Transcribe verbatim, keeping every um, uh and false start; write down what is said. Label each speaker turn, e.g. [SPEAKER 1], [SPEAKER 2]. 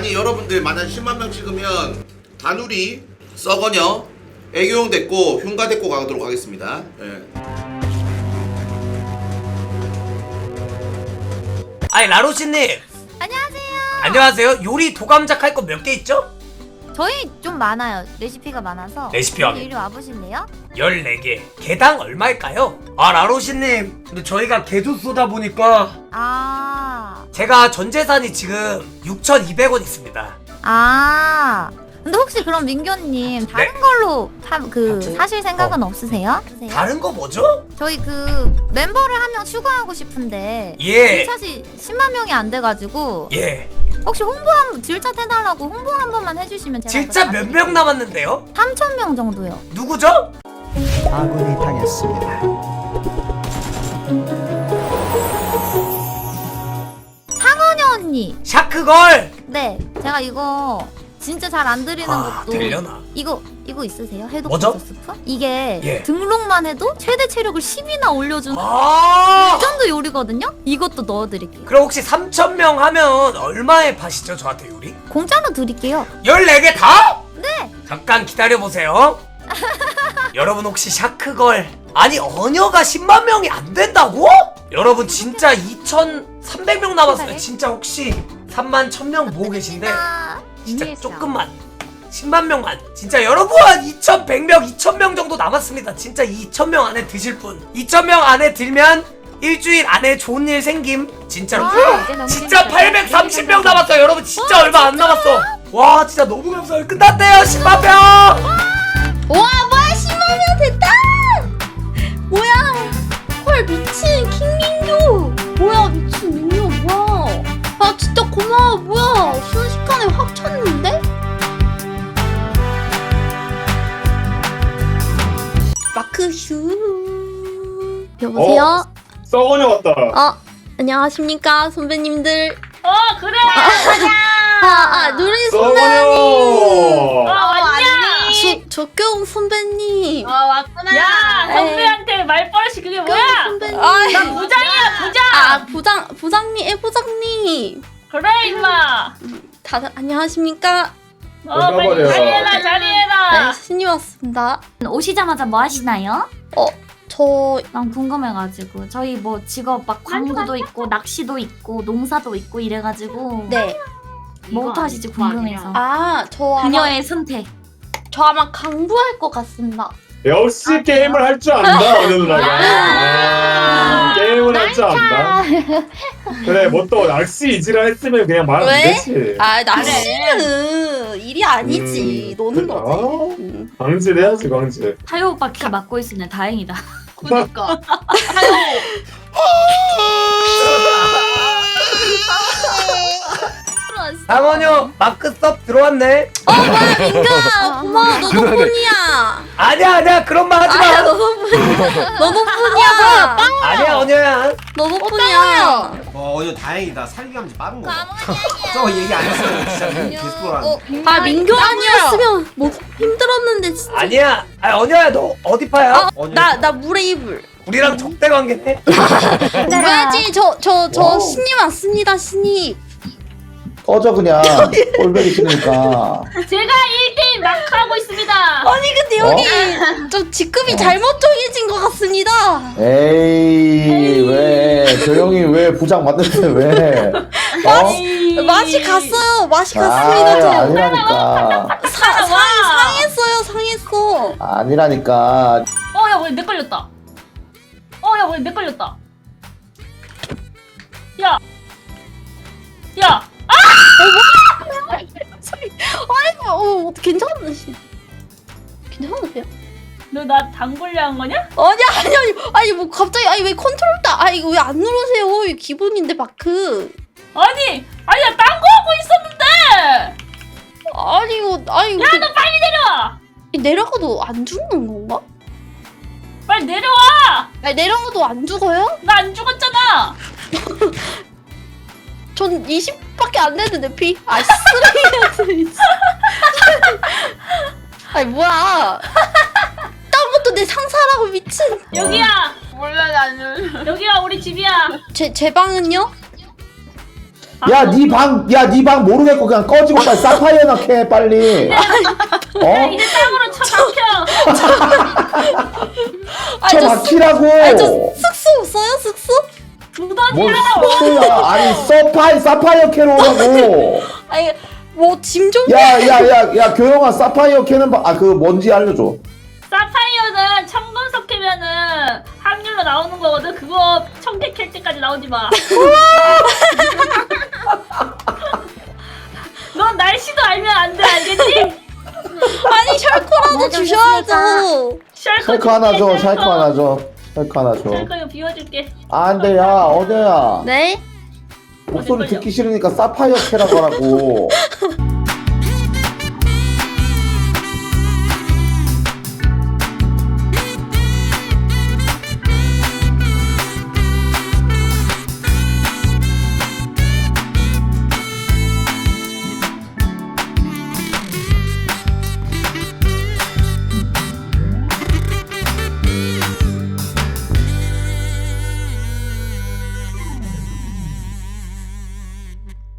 [SPEAKER 1] 아니 여러분들 만약 십만 명 찍으면 다누리, 썩어녀, 애교용 데리고 흉가 데리고 가도록 하겠습니다. 예.
[SPEAKER 2] 아니 라로시님
[SPEAKER 3] 안녕하세요.
[SPEAKER 2] 안녕하세요. 요리 도감작 할 거 몇 개 있죠?
[SPEAKER 3] 저희 좀 많아요. 레시피가 많아서.
[SPEAKER 2] 레시피가
[SPEAKER 3] 이리 와보실래요?
[SPEAKER 2] 열네 개. 개당 얼마일까요? 아 라로시님 근데 저희가 개도 쏘다 보니까
[SPEAKER 3] 아,
[SPEAKER 2] 제가 전 재산이 지금 육천이백 원 있습니다.
[SPEAKER 3] 아. 근데 혹시 그럼 민교님 다른
[SPEAKER 2] 네.
[SPEAKER 3] 걸로 사, 그 사실 생각은 없으세요?
[SPEAKER 2] 다른 거 뭐죠?
[SPEAKER 3] 저희 그 멤버를 한 명 추가하고 싶은데
[SPEAKER 2] 예.
[SPEAKER 3] 사실 십만 명이 안 돼가지고
[SPEAKER 2] 예.
[SPEAKER 3] 혹시 홍보 한 질차 해달라고 홍보 한 번만 해주시면 제가
[SPEAKER 2] 진짜 몇 명 남았는데요?
[SPEAKER 3] 삼천 명 정도요.
[SPEAKER 2] 누구죠?
[SPEAKER 4] 아군이 당했습니다.
[SPEAKER 3] 상은이 언니.
[SPEAKER 2] 샤크걸.
[SPEAKER 3] 네, 제가 이거 진짜 잘 안 드리는
[SPEAKER 2] 아
[SPEAKER 3] 것도
[SPEAKER 2] 되려나?
[SPEAKER 3] 이거 이거 있으세요? 해독
[SPEAKER 2] 뭐죠?
[SPEAKER 3] 스프? 이게
[SPEAKER 2] 예.
[SPEAKER 3] 등록만 해도 최대 체력을 십이나 올려주는
[SPEAKER 2] 아
[SPEAKER 3] 레전드 요리거든요? 이것도 넣어드릴게요.
[SPEAKER 2] 그럼 혹시 삼천 명 하면 얼마에 파시죠 저한테 요리?
[SPEAKER 3] 공짜로 드릴게요.
[SPEAKER 2] 열네 개 다?
[SPEAKER 3] 네.
[SPEAKER 2] 잠깐 기다려보세요. 여러분 혹시 샤크걸 아니 어녀가 십만 명이 안 된다고? 여러분 진짜 이천삼백 명 남았어요. 진짜 혹시 삼만 천 명 보고 계신데
[SPEAKER 3] 아,
[SPEAKER 2] 진짜 조금만 십만 명만 진짜 여러분 이천백 명 이천 명 정도 남았습니다. 진짜 이천 명 안에 드실 분 이천 명 안에 들면 일주일 안에 좋은 일 생김 진짜로.
[SPEAKER 3] 아,
[SPEAKER 2] 진짜 팔백삼십 명 남았어요. 여러분 진짜 얼마 안 남았어. 와 진짜 너무 감사해요. 끝났대요 십만 명.
[SPEAKER 5] 와 뭐야 십만 명 됐다! 뭐야 헐 미친 킹민규 뭐야 미친 민규 뭐야 아 진짜 고마워 뭐야 순식간에 확 쳤는데? 마크슈 여보세요?
[SPEAKER 6] 썩어녀 같다.
[SPEAKER 5] 어 안녕하십니까 선배님들
[SPEAKER 7] 어 그래
[SPEAKER 5] 아아 노래
[SPEAKER 6] 썩어녀.
[SPEAKER 7] 어 왔냐
[SPEAKER 5] 조, 조경 선배님
[SPEAKER 7] 어 왔구나 야 선배한테 말버릇이 그게 뭐야
[SPEAKER 5] 선배님
[SPEAKER 7] 나 부장이야 부장
[SPEAKER 5] 아 부장 부장님 애 부장님
[SPEAKER 7] 그래 임마
[SPEAKER 5] 다들 안녕하십니까?
[SPEAKER 7] 어 빨리
[SPEAKER 6] 나가버려.
[SPEAKER 7] 자리해라
[SPEAKER 5] 네
[SPEAKER 7] 자리해라
[SPEAKER 5] 신이 왔습니다.
[SPEAKER 3] 오시자마자 뭐 하시나요?
[SPEAKER 5] 저
[SPEAKER 3] 난 궁금해가지고 저희 뭐 직업 막 광고도 있고 낚시도 있고 농사도 있고 이래가지고
[SPEAKER 5] 네.
[SPEAKER 3] 뭐부터 하실지 궁금해서.
[SPEAKER 5] 아, 저 아마
[SPEAKER 3] 그녀의 선택.
[SPEAKER 5] 저 아마 강부할 것 같습니다.
[SPEAKER 6] 역시 게임을 할 줄 안다 어느 누나가. 아, 게임을 할 줄 안다. 그래 뭐 또 낚시 이지라 했으면 그냥 말 안
[SPEAKER 5] 왜?
[SPEAKER 6] 되지.
[SPEAKER 5] 아, 낚시는 일이 아니지.
[SPEAKER 6] 음,
[SPEAKER 5] 노는
[SPEAKER 6] 그래.
[SPEAKER 5] 거지.
[SPEAKER 6] 어?
[SPEAKER 5] 음.
[SPEAKER 6] 광질 해야지 광질.
[SPEAKER 3] 타요 오빠 키 맡고 있으네. 다행이다.
[SPEAKER 5] 그니까.
[SPEAKER 2] 상원유 마크 섭 들어왔네.
[SPEAKER 5] 어, 뭐야, 민규야. 고마워. 너 덕분이야.
[SPEAKER 2] 아니야 아니야 그런 말 하지
[SPEAKER 5] 아야,
[SPEAKER 2] 마.
[SPEAKER 5] 너 덕분이야. 너 덕분이야.
[SPEAKER 2] 아니야 언녀야.
[SPEAKER 5] 너 덕분이야.
[SPEAKER 8] 어, 어제 다행이다. 살기감지 빠른 거. 저거 얘기 안 했으면 진짜 개스포란.
[SPEAKER 5] 아, 민규 아니었으면 뭐 힘들었는데 진짜.
[SPEAKER 2] 아니야. 아 언녀야 너 어디 파야?
[SPEAKER 5] 어, 나, 나 물의 이불.
[SPEAKER 2] 우리랑 적대 관계네.
[SPEAKER 5] 물어야지. 저, 저, 저
[SPEAKER 4] 와우.
[SPEAKER 5] 신입 왔습니다, 신입.
[SPEAKER 4] 꺼져 그냥 꼴보기 싫으니까.
[SPEAKER 7] 제가 일 대일 마크 하고 있습니다
[SPEAKER 5] 아니, 근데 여기 좀 직급이 잘못 정해진 것 같습니다.
[SPEAKER 4] 에이 왜 조용히 왜 부장 맡는데 왜? 어?
[SPEAKER 5] 맛이 갔어요. 맛이
[SPEAKER 4] 아
[SPEAKER 5] 갔습니다. 저.
[SPEAKER 4] 아니라니까.
[SPEAKER 5] 사, 상, 상했어요. 상했어.
[SPEAKER 4] 아니라니까.
[SPEAKER 7] 어야 왜 내 걸렸다 어야 왜 내 걸렸다 야 야!
[SPEAKER 5] 아이고, 어, 괜찮으시? 괜찮으세요?
[SPEAKER 7] 너 나 당골려 한 거냐?
[SPEAKER 5] 아니, 아니, 아니, 아니, 뭐 갑자기, 아니 왜 컨트롤 따? 아니 이거 왜 안 누르세요? 이거 기본인데 마크.
[SPEAKER 7] 아니 아니 나 딴 거 하고 있었는데
[SPEAKER 5] 아니 이거, 아니 이거
[SPEAKER 7] 야 너 빨리 내려와
[SPEAKER 5] 내려가도 안 죽는 건가?
[SPEAKER 7] 빨리 내려와
[SPEAKER 5] 아니 내려가도 안 죽어요?
[SPEAKER 7] 나 안 죽었잖아
[SPEAKER 5] 전 이십밖에 안 됐는데 피. 아 쓰레기야. 아니 뭐야? 딴 것도 내 상사라고 미친.
[SPEAKER 7] 여기야 몰라 나는 여기야 우리 집이야
[SPEAKER 5] 제 제 방은요?
[SPEAKER 4] 야, 니 방, 야, 니 방 모르겠고 그냥 꺼지고 빨리 사파이어나 캐 빨리.
[SPEAKER 7] 야,
[SPEAKER 4] 어?
[SPEAKER 7] 이제 땅으로 쳐박혀.
[SPEAKER 4] 저 막히라고.
[SPEAKER 5] 아저 숙소 없어요 숙소?
[SPEAKER 7] 두더지
[SPEAKER 4] 뭘
[SPEAKER 7] 하나
[SPEAKER 4] 숙소야? 아니 서파이 사파이어 캐러 오라고.
[SPEAKER 5] 아니 뭐 짐 좀.
[SPEAKER 4] 야, 야, 야, 야, 교영아 사파이어 캐는 방, 아, 그 뭔지 알려줘.
[SPEAKER 7] 사파이어는 청금석 캐면은 확률로 나오는 거거든. 그거 청계 캘 때까지 나오지 마. 넌 날씨도 알면 안 돼, 알겠지?
[SPEAKER 5] 아니 셜코라도 주셔야죠.
[SPEAKER 4] 샬크 하나 줘, 샬크 하나 줘, 샬크 하나 줘.
[SPEAKER 7] 셜커 이거 비워줄게.
[SPEAKER 4] 안 돼, 야, 어제야.
[SPEAKER 5] 네?
[SPEAKER 4] 목소리 듣기 싫으니까 사파이어 캐라고 하라고.